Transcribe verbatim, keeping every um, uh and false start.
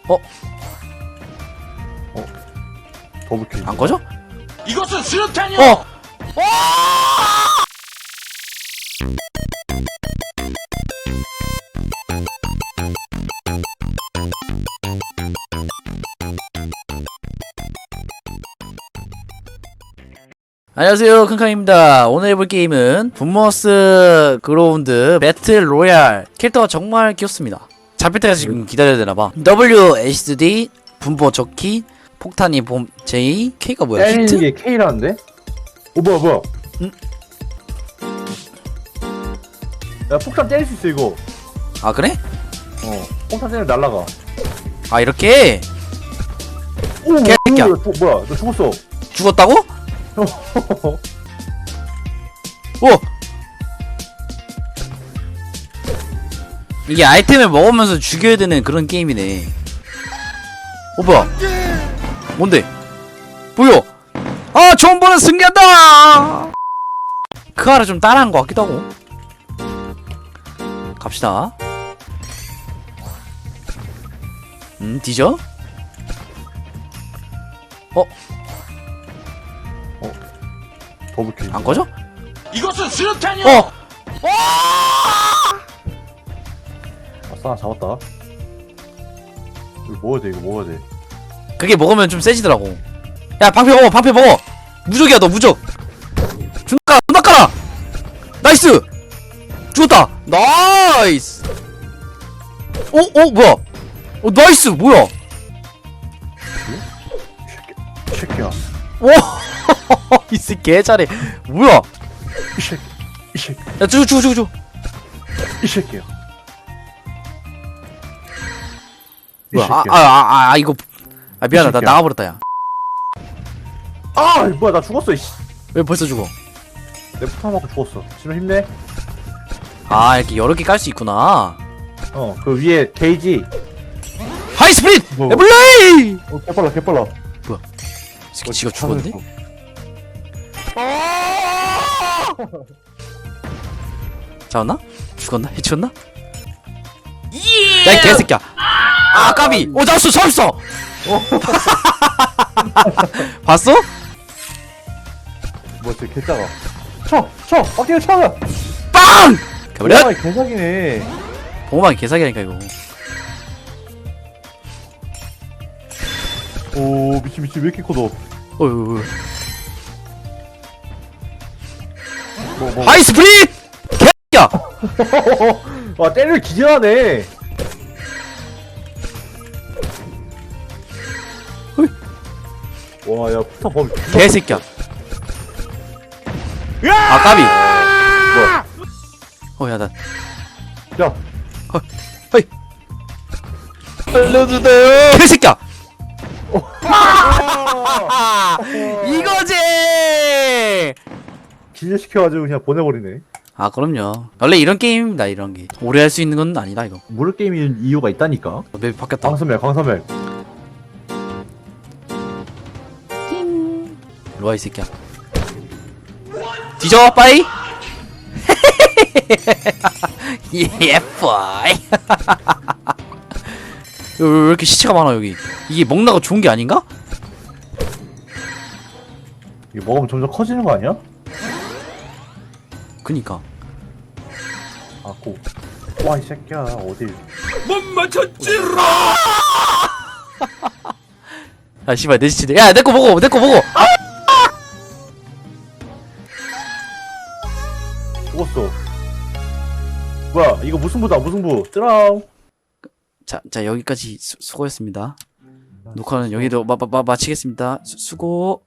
어? 어? 더블킬. 안 꺼져? 이것은 수류탄이야! 어! 안녕하세요, 칸칸입니다. 오늘 해볼 게임은 분머스 그라운드 배틀 로얄. 캐릭터가 정말 귀엽습니다. 잡힐 때가 지금 기다려야 되나봐. W, S, D, 분보 적기, 폭탄이 봄, J, K가 뭐야? 때리는 히트? 게 K라는데? 오 뭐야 뭐야? 응? 야 폭탄 때릴 수 있어 이거. 아 그래? 어 폭탄 때리면 날라가. 아 이렇게? 오 개새끼야. 뭐야, 또, 뭐야 너 죽었어. 죽었다고? 오! 이게 아이템을 먹으면서 죽여야 되는 그런 게임이네. 어 뭐야? 뭔데? 뭐야? 아 좋은 번은 승리한다! 그 아래 좀 따라한 것 같기도 하고. 갑시다. 음 뒤져? 어? 더블킬. 안 꺼져? 이것은 수류탄이야! 어! 아싸 잡았다. 이거 먹어야 돼 이거 먹어야 돼. 그게 먹으면 좀 세지더라고. 야 방패 먹어 방패 먹어. 무적이야 너 무적. 존나 깔아 존나 깔아. 나이스. 죽었다. 나이스. 어? 어 뭐야? 어 나이스 뭐야? 이 새끼야. 오. 이 새끼 개 잘해. 뭐야? 이 새끼. 이 새끼. 야 죽어 죽어 죽어 죽어. 이 새끼야. 이 뭐야? 새끼야. 아아아 아, 아, 이거. 아 미안하다 나 새끼야. 나가버렸다 야. 아 뭐야 나 죽었어 이씨. 왜 벌써 죽어? 내 폭탄 맞고 죽었어. 지금 힘내. 아 이렇게 여러 개 깔 수 있구나. 어 그 위에 게이지. 하이 스프릿. 뭐. 에블레이. 어 개빨라 개빨라. 이 새끼 지가 죽었네? 잡았나? 죽었나? 해치웠나? 야, 이 개새끼야! 아, 까비! 오, 잡았어! 잡았어! 봤어? 뭐 진짜 개짜가. 쳐! 쳐! 빡대기 쳐! 빵! 가버려! 아 개사기네. 보호막이 개사기라니까, 이거. 오 미친 미친 왜 이렇게 커 너. 어휴, 뭐 뭐. 하이 스프릿! 개새끼야! 와 때를 기절하네. 와야 폭탄 범위. 개새끼야. 아, 까비! 뭐야? 어, 야, 나. 야. 허이! 알려주세요! 개새끼야! 이거지! 기절시켜가지고 그냥 보내버리네. 아 그럼요. 원래 이런 게임입니다. 이런 게 오래 할 수 있는 건 아니다 이거. 무료 게임인 이유가 있다니까. 맵이 바뀌었다. 광선멸 광선멸. 일로와 이 새끼야. 뒤져 빠이. 예 빠이. 왜, 왜 이렇게 시체가 많아 여기? 이게 먹나가 좋은 게 아닌가? 이거 먹으면 점점 커지는 거 아니야? 그니까. 아고. 와 이 새끼야 어딜. 못 맞췄지라! 아 씨발 내 시체. 야 내 거 먹어 내 거 먹어. 아! 죽었어. 뭐야 이거 무승부다 무승부. 뜨라우. 자, 자 여기까지 수, 수고했습니다. 녹화는 여기로 마, 마, 마, 마치겠습니다. 수, 수고.